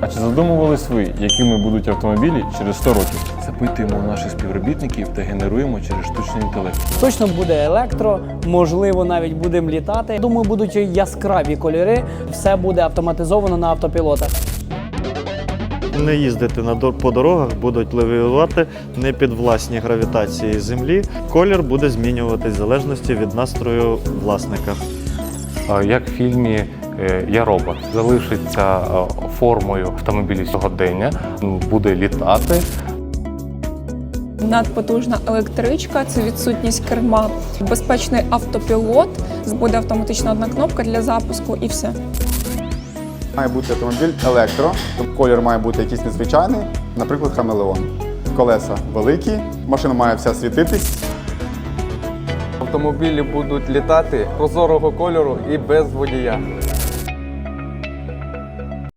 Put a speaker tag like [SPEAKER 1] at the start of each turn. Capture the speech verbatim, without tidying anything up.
[SPEAKER 1] А чи задумувались ви, якими будуть автомобілі через сто років? Запитуємо у наших співробітників та генеруємо через штучний інтелект.
[SPEAKER 2] Точно буде електро, можливо, навіть будемо літати. Думаю, будуть яскраві кольори, все буде автоматизовано на автопілотах.
[SPEAKER 3] Не їздити на дор- по дорогах, будуть левіювати не під власні гравітації землі. Колір буде змінюватись в залежності від настрою власника.
[SPEAKER 4] Як в фільмі «Я робот» залишиться формою автомобілів сьогодення, буде літати.
[SPEAKER 5] Надпотужна електричка – це відсутність керма. Безпечний автопілот, буде автоматична одна кнопка для запуску і все.
[SPEAKER 6] Має бути автомобіль електро, колір має бути якийсь незвичайний, наприклад, хамелеон. Колеса великі, машина має вся світитись.
[SPEAKER 7] Автомобілі будуть літати прозорого кольору і без водія.